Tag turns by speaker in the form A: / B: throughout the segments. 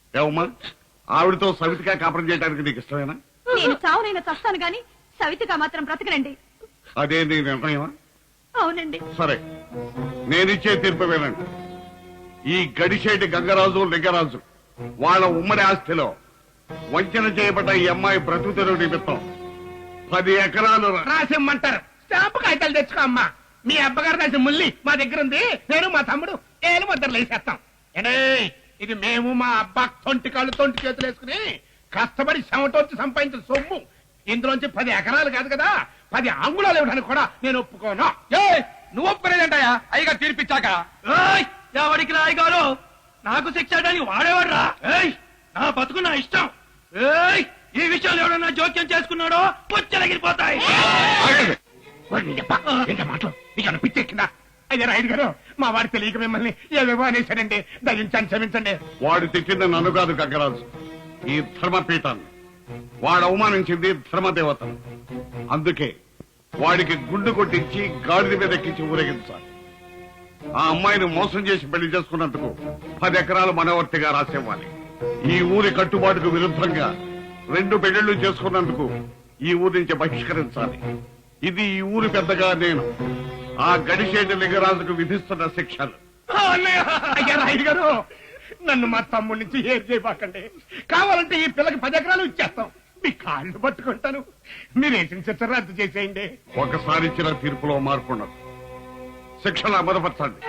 A: ఏమమ్మా ఆవిడతో సవితిగా కాపురం చేయడానికి నీకు ఇష్టమేనా?
B: నేను చావునైనా చస్తాను గాని సవితిగా మాత్రం బ్రతకనండి.
A: అదే నీ నిర్ణయమా?
B: అవునండి.
A: సరే, నేనిచ్చే తీర్పు వినండి. ఈ గడిచేటి గంగరాజు లింగరాజు వాళ్ళ ఉమ్మడి ఆస్తిలో వంచన చేయబడ్డ ఈ అమ్మాయి బ్రతుకుతెరువు నిమిత్తం 10 ఎకరాలు
C: రాసిమ్మంటారు. స్టాంపు కాగితాలు తెచ్చుకో అమ్మా. మీ అబ్బగారు రాసిన ముల్లి మా దగ్గర ఉంది. నేను మా తమ్ముడు ఏలు ముద్దరు వేసేస్తాం. ఇది మేము మా అబ్బా తొంటి కాళ్ళు తొంటి చేతులు వేసుకుని కష్టపడి చెమటొచ్చి సంపాదించిన సొమ్ము. ఇందులోంచి 10 ఎకరాలు కాదు కదా 10 అంగుళాలు ఇవ్వడానికి కూడా నేను ఒప్పుకోను.
D: నువ్వు ఒప్పుకునేదంటాయా అయ్యగా తీర్పిచ్చాక? ఎవరికి రాయగారు నాకు శిక్ష చేయడానికి వాడేవాడ్రా? నా బతుకు నా ఇష్టం. ఈ విషయాలు ఎవడన్నా జోక్యం చేసుకున్నాడో పుచ్చలగిరిపోతాయి.
C: మాటలు నీకు పిచ్చెక్కిందా? అయ్యా రాయుడు గారు, మా వాడు తెలియక మిమ్మల్ని ఏవేవో అనేశాడండి. దయించండి, క్షమించండి.
A: వాడు తిట్టింది నన్ను కాదు గంగరాజు, ఈ ధర్మపీఠాన్ని. వాడు అవమానించింది ధర్మదేవతను. అందుకే వాడికి గుండు కొట్టించి గాడిద మీద ఎక్కించి ఊరేగించాలి. ఆ అమ్మాయిని మోసం చేసి పెళ్లి చేసుకున్నందుకు 10 ఎకరాలు మనవర్తిగా రాసివ్వాలి. ఈ ఊరి కట్టుబాటుకు విరుద్ధంగా 2 పెళ్లిళ్లు చేసుకున్నందుకు ఈ ఊరి నుంచి బహిష్కరించాలి. ఇది ఈ ఊరి పెద్దగా నేను ఆ గడిచేటి లింగరాజుకు విధిస్తున్న శిక్షలు.
C: అయ్యా రాయుడు గారు, నన్ను మా తమ్ముడి నుంచి ఏం చేయబాకండి. కావాలంటే ఈ పిల్లకి 10 ఎకరాలు ఇచ్చేస్తాం. మీ కాళ్ళు పట్టుకుంటాను. మీరేసిన శిక్ష రద్దు చేసేయండి.
A: ఒకసారి ఇచ్చిన తీర్పులో మార్పు ఉండదు. శిక్షలు అమలుపరచండి.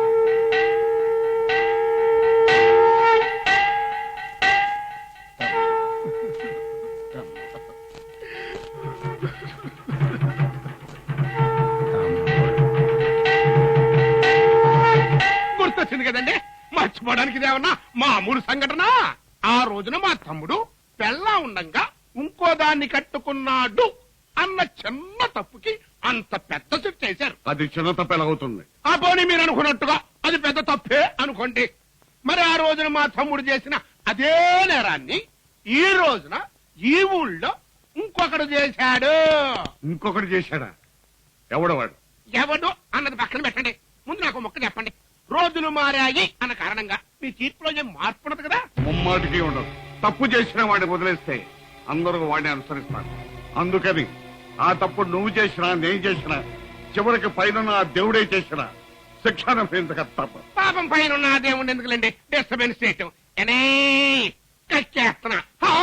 C: గుర్తొచ్చింది కదండి, మర్చిపోవడానికి ఇదేమన్నా మామూలు సంఘటన. ఆ రోజున మా తమ్ముడు పెళ్ళా ఉండంగా ఇంకో దాన్ని కట్టుకున్నాడు అన్న చిన్న తప్పుకి అంత పెద్ద శిక్ష చేశారు.
A: అది చిన్న తప్పు ఎలాగవుతుంది?
C: ఆ పోనీ మీరు అనుకున్నట్టుగా అది పెద్ద తప్పే అనుకోండి. మరి ఆ రోజున మా తమ్ముడు చేసిన అదే నేరాన్ని ఈ రోజున ఈ ఊళ్ళో ఇంకొకడు చేశాడు.
A: ఇంకొకటి చేశాడా? ఎవడవాడు?
C: ఎవడు అన్నది పక్కన పెట్టండి. ముందు నాకు మొక్క చెప్పండి. రోజులు మారాయి అన్న కారణంగా మీ తీర్పులో ఏం మార్పు ఉండదు కదా?
A: ముమ్మాటికి ఉండదు. తప్పు చేసిన వాడిని వదిలేస్తే అందరూ వాడిని అనుసరిస్తారు. అందుకని ఆ తప్పు నువ్వు చేసినా నేను చేసినా చివరికి పైన ఆ దేవుడే చేసినా శిక్ష అనుభవించక తప్ప.
C: పాపం పైన ఉన్న దేవుడిని ఎందుకులేండి డిస్టర్బెన్స్ చేయటం. కక్కేస్తున్నా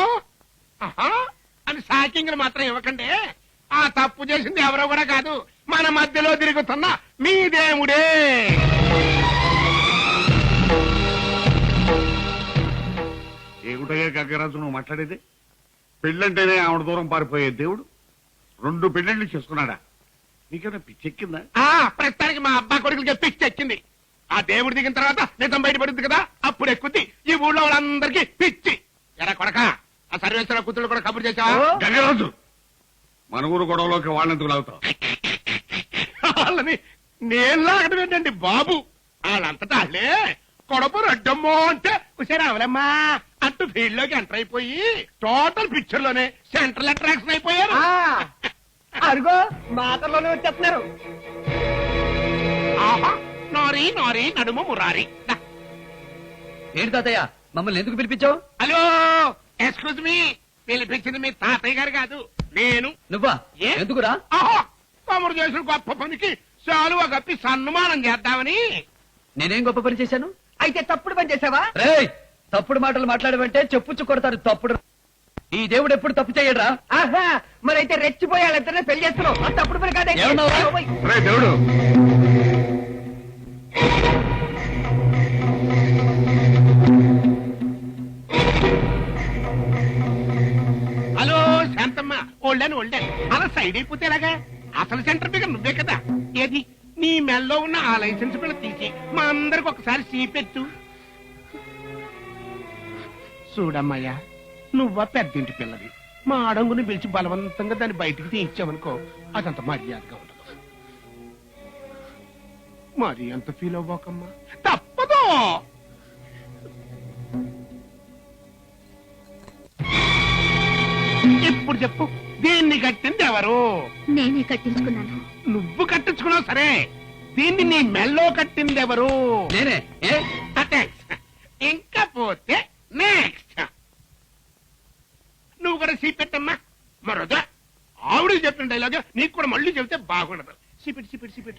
C: అని సాకింగ్లు మాత్రం ఇవ్వకండి. ఆ తప్పు చేసింది ఎవరో కూడా కాదు, మన మధ్యలో తిరుగుతున్న మీ దేవుడే.
A: ఏమిటయ్యా గంగరాజు నువ్వు మాట్లాడేది? పెళ్ళంటేనే ఆవిడ దూరం పారిపోయే దేవుడు 2 పెళ్లిళ్ళు చేసుకున్నాడా? నీకేమైనా పిచ్చెక్కిందా?
C: ప్రస్తుతానికి మా అబ్బా కొడుకులకి పిచ్చెక్కింది. ఆ దేవుడు దిగిన తర్వాత నిజం బయటపడుద్ది కదా, అప్పుడు ఎక్కుద్ది. ఈ ఊళ్ళో వాళ్ళందరికీ పిచ్చి. ఎరా కొడక, ఆ సర్వేశ్వర కూతురు కూడా కబురు చేసావా?
A: గంగరాజు, మన ఊరు గొడవలోకి వాళ్ళెందుకు లాగుతావు?
C: వాళ్ళని నేను లాగడం ఏంటండి బాబు? వాళ్ళంతటా వాళ్ళే కొడపు రడ్డమ్మో అంటే ఉషారావులమ్మా అంటూ ఫీల్డ్ లోకి ఎంటర్ అయిపోయి టోటల్ పిక్చర్ లోనే సెంట్రల్ అట్రాక్షన్ అయిపోయారు.
D: అరుగో మాటల్లోనే వచ్చేస్తున్నారు.
C: ఆహా, నారీ నారీ నడుము మురారి.
D: ఏంటి తాతయ్య మమ్మల్ని ఎందుకు పిలిపించావు?
C: Hello, excuse me. పిలిపించింది మీ తాతయ్య గారు కాదు, నేను.
D: నువ్వా? ఎందుకురా?
C: ఆహా, తమరు చేసిన గొప్ప పనికి శాలువ కప్పి సన్మానం చేద్దామని.
D: నేనేం గొప్ప పని చేశాను?
E: అయితే తప్పుడు పని చేసావా?
D: తప్పుడు మాటలు మాట్లాడమంటే చెప్పుచ్చు కొడతారు. తప్పుడు ఈ దేవుడు ఎప్పుడు తప్పు చేయడరా?
E: ఆహా, మరైతే రెచ్చిపోయాళ్ళిద్దరే పెళ్లి చేస్తున్నావు. అది తప్పుడు పని కాదే.
A: రే దేవుడు,
C: హలో శాంతమ్మ, ఓల్డాను అలా సైడ్ అయిపోతే ఎలాగా? అసలు సెంటర్ ఫిగర్ నువ్వే కదా. ఏది నీ మెల్లో ఉన్న ఆ లైసెన్స్ పిల్ల తీసి మా అందరికి ఒకసారి సీపెట్టు. చూడమ్మయ్యా, నువ్వా పెద్దింటి పిల్లవి. మా అడంగుని పిలిచి బలవంతంగా దాన్ని బయటికి తీయించావనుకో, అదంత మర్యాదగా ఉండదు. మరి అంత ఫీల్ అవ్వకమ్మా, తప్పదు. ఇప్పుడు చెప్పు, దీన్ని కట్టింది ఎవరు?
B: నేనే కట్టించుకున్నాను.
C: నువ్వు కట్టించుకున్నావు సరే, దీన్ని నీ మెల్లో కట్టింది ఎవరు?
D: నేనే.
C: ఇంకా పోతే నెక్స్ట్ చెప్పిన డైలాగ్ నీకు కూడా మళ్ళీ చెబితే బాగుండదు. CPT CPT CPT.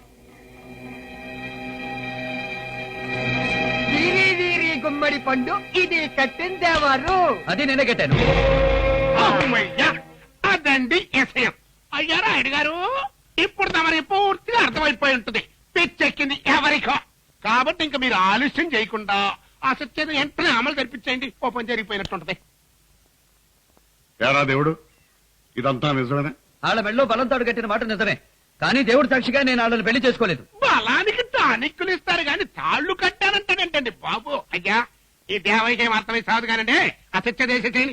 E: వీరి వీరి గుమ్మడి పండు ఇది కట్టిందేవారు.
D: అది నేనే కట్టాను.
C: అమ్మయ్యా, అదండి విషయం. అయ్యా రాయుడు గారు, ఇప్పుడు తమరి పూర్తిగా అర్థమైపోయి ఉంటుంది పిచ్చెక్కింది ఎవరికో. కాబట్టి ఇంకా మీరు ఆలస్యం చేయకుండా ఆ సత్యం వెంటనే అమలు జరిపించేయండి. కోపం జరిగిపోయినట్టుంటది.
A: ఏరా దేవుడు, ఇదంతా నిజమేనా?
D: వాళ్ళ మెళ్ళో బలంతాడు కట్టిన మాట నిజమే, కానీ దేవుడు సాక్షిగా నేను వాళ్ళని పెళ్లి చేసుకోలేదు.
C: బలానికి టానిక్కులు ఇస్తారు కానీ తాళ్లు కట్టానంటాడంటండి బాబు. అయ్యా, ఈ దేవయ్యకి అర్థమై సాదు కానండి. ఆ సత్య దేశ చేయండి.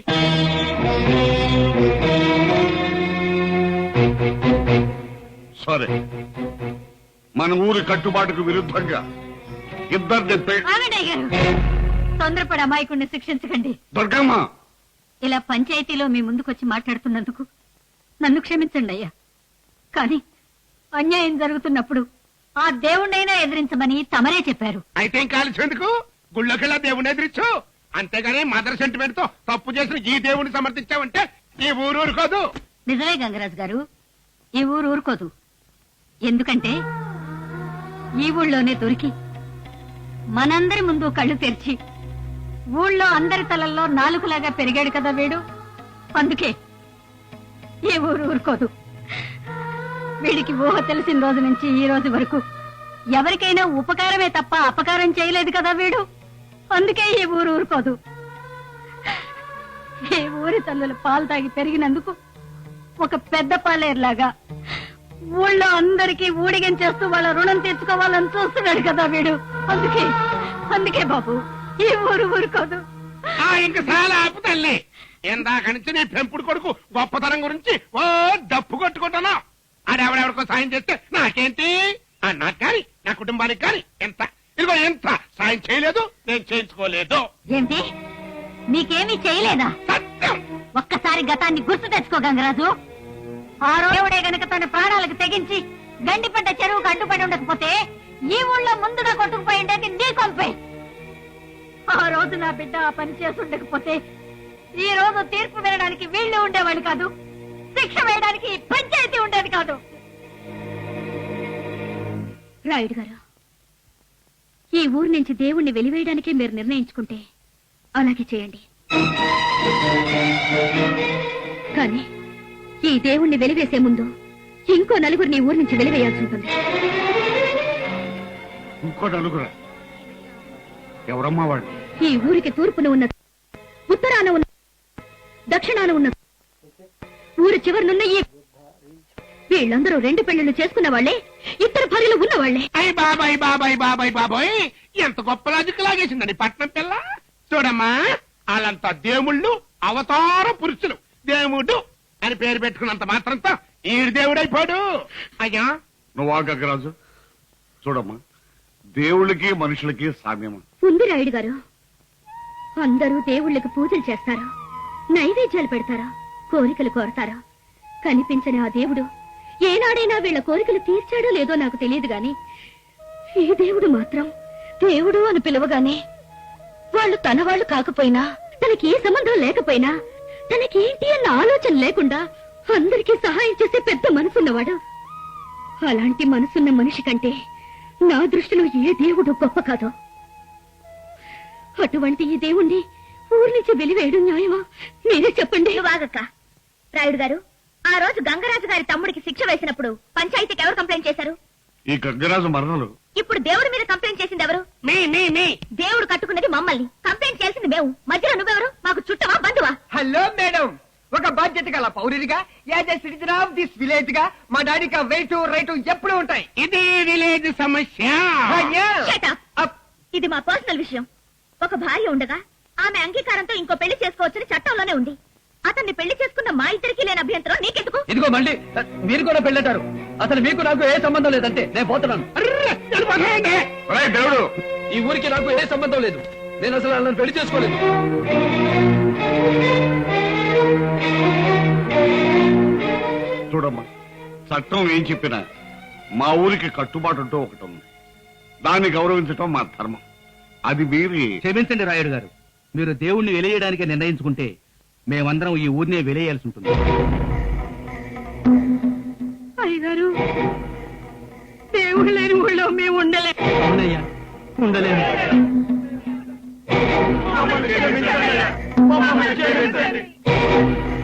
A: సరే, మన ఊరి కట్టుబాటుకు విరుద్ధంగా ఇద్దరిని
B: ఆగండి అయ్యారు, తొందరపడి అమాయకుడిని శిక్షించకండి.
A: దుర్గమ్మ,
B: ఇలా పంచాయతీలో మీ ముందుకొచ్చి మాట్లాడుతున్నందుకు నన్ను క్షమించండి అయ్యా. కానీ అన్యాయం జరుగుతున్నప్పుడు ఆ దేవుణ్ణైనా ఎదిరించమని తమరే చెప్పారు.
C: అయితే ఇంకా ఆలస్యందుకు గుళ్ళోకెళ్ళా దేవుని ఎదిరించు. అంతేగాని మదర్ సెంటిమెంట్ తో తప్పు చేసిన ఈ దేవుడిని సమర్థించావంటే ఈ ఊరు ఊరుకోదు.
B: నిజమే గంగరాజు గారు, ఈ ఊరు ఊరుకోదు. ఎందుకంటే ఈ ఊళ్ళోనే దొరికి మనందరి ముందు కళ్ళు తెరిచి ఊళ్ళో అందరి తలల్లో నాలుగులాగా పెరిగాడు కదా వీడు. అందుకే ఈ ఊరు ఊరుకోదు. వీడికి ఊహ తెలిసిన రోజు నుంచి ఈ రోజు వరకు ఎవరికైనా ఉపకారమే తప్ప అపకారం చేయలేదు కదా వీడు. అందుకే ఈ ఊరు ఊరుకోదు. ఈ ఊరి తల్లుల పాలు తాగి పెరిగినందుకు ఒక పెద్ద పాలేరులాగా ఊళ్ళో అందరికీ ఊడిగం చేస్తూ వాళ్ళ రుణం తీర్చుకోవాలని చూస్తున్నాడు కదా వీడు. అందుకే బాబు ఈ ఊరు ఊరుకోదు.
C: ఇంక చాలా ఆపుతల్లి. ఇందాక నుంచి నీ పెంపుడు కొడుకు గొప్పతనం గురించి ఓ డప్పు కొట్టుకుంటున్నా. ఆడెవడెవడికో సాయం చేస్తే నాకేంటి? నాకు కానీ నా కుటుంబానికి కానీ ఎంత ఇదిగో ఎంత సాయం చేయలేదు, నేను చేయించుకోలేదు.
B: ఏంటి, మీకేమీ చేయలేదా?
C: సత్యం.
B: ఒక్కసారి గతాన్ని గుర్తు తెచ్చుకో గంగరాజు. ఆ రోజుడే గనక తన ప్రాణాలకు తెగించి గండిపడ్డ చెరువుకు అడ్డుపడి ఉండకపోతే ఈ ఊళ్ళో ముందుగా కొట్టుకుపోయి ఉండేది నీ కొంపే. ఆ రోజు నా బిడ్డ ఆ పని చేసి ఉండకపోతే ఈ రోజు తీర్పు వినడానికి వీళ్ళు ఉండేవాళ్ళు కాదు, శిక్ష వేయడానికి పంచాయతీ ఉండేది కాదు. రాయుడు గారు, ఈ ఊరు నుంచి దేవుణ్ణి వెలివేయడానికే మీరు నిర్ణయించుకుంటే అలాగే చేయండి. కానీ ఈ దేవుణ్ణి వెలివేసే ముందు ఇంకో నలుగురిని ఊరి నుంచి వెలివేయాల్సి ఉంటుంది.
A: ఇంకో నలుగురా? ఎవరమ్మా వాడు?
B: ఈ ఊరికి తూర్పున ఉన్న, ఉత్తరాన ఉన్న, దక్షిణాన ఉన్న, ఊరి చివరినున్న ఈ వీళ్ళందరూ 2 పెళ్లిళ్ళు చేసుకున్న వాళ్లే, 2 భార్యలు ఉన్న వాళ్లే.
C: అయ్య బాబాయ్ బాబాయ్ బాబాయ్ బాబాయ్, ఎంత గొప్ప లాజిక్ లాగేసిందని పట్నం పిల్ల. చూడమ్మా, వాళ్ళంతా దేవుళ్ళు, అవతార పురుషులు. దేవుడు అని పేరు పెట్టుకున్నంత మాత్రంతో ఈ దేవుడైపోడు. అయ్యా
A: నువ్వు గంగరాజు, చూడమ్మా, దేవుళ్ళకి మనుషులకి సామ్యమా?
B: ఉంది రాయుడు గారు. అందరూ దేవుళ్ళకి పూజలు చేస్తారు, నైవేద్యాలు పెడతారా, కోరికలు కోరతారా. కనిపించని ఆ దేవుడు ఏనాడైనా వీళ్ళ కోరికలు తీర్చాడో లేదో నాకు తెలియదు గాని ఈ దేవుడు మాత్రం దేవుడు అని పిలవగానే వాళ్ళు తన వాళ్ళు కాకపోయినా, తనకి ఏ సంబంధం లేకపోయినా, తనకేంటి అన్న ఆలోచన లేకుండా అందరికీ సహాయం చేసే పెద్ద మనసున్నవాడు. అలాంటి మనసున్న మనిషి కంటే నా దృష్టిలో ఏ దేవుడు గొప్ప కాదు. అటువంటి ఈ దేవుణ్ణి ఊరి నుంచి వెలివేయడం న్యాయమా? మీరే చెప్పండి. వాగక్క. రాయుడు గారు, ఆ రోజు గంగరాజు గారి తమ్ముడికి శిక్ష వేసినప్పుడు పంచాయతీకి ఎవరు కంప్లైంట్ చేశారు?
A: ఈ గంగరాజు మరణలు.
B: ఇప్పుడు దేవుడి మీద కంప్లైంట్ చేసింది ఎవరు?
C: మీ
B: దేవుడు కట్టుకున్నది మమ్మల్ని, కంప్లైంట్ చేసింది మేము. మధ్యలో నువ్వెవరు? మాకు చుట్టమా, బంధువా?
E: హలో మేడం, ఒక బాధ్యత గల పౌరుడిగా, as a citizen of this village గా మా డాడీకి వెయిట్ రైట్ ఎప్పుడు ఉంటాయి.
C: ఇది విలేజ్ సమస్య.
B: Shut up. ఇది మా పర్సనల్ విషయం. ఒక భార్య ఉండగా ఆమె అంగీకారంతో ఇంకో పెళ్లి చేసుకోవచ్చని చట్టంలోనే ఉంది. అతన్ని పెళ్లి చేసుకున్న మా ఇద్దరికి లేని అభ్యంతరం నీకెందుకు?
D: ఇదిగో మళ్ళీ మీరు కూడా పెళ్ళంటారు. అసలు మీకు నాకు ఏ సంబంధం లేదంటే నేను పోతున్నాను.
A: ఒరేయ్ దేవుడు,
D: ఈ ఊరికి నాకు ఏ సంబంధం లేదు. నేను అసలు వాళ్ళని పెళ్లి చేసుకోలేదు.
A: చూడమ్మా, చట్టం ఏం చెప్పినా మా ఊరికి కట్టుబాటు అంటూ ఒకటి ఉంది. దాన్ని గౌరవించటం మా ధర్మం. అది మీరి
D: క్షమించండి రాయుడు గారు, మీరు దేవుణ్ణి వెలియడానికి నిర్ణయించుకుంటే మేమందరం ఈ ఊరినే వెలియాల్సి ఉంటుంది.
B: అయ్యగారు దేవుడు లేని ఊళ్ళో మేము ఉండలే.
E: అవునయ్యా, ఉండలేదు.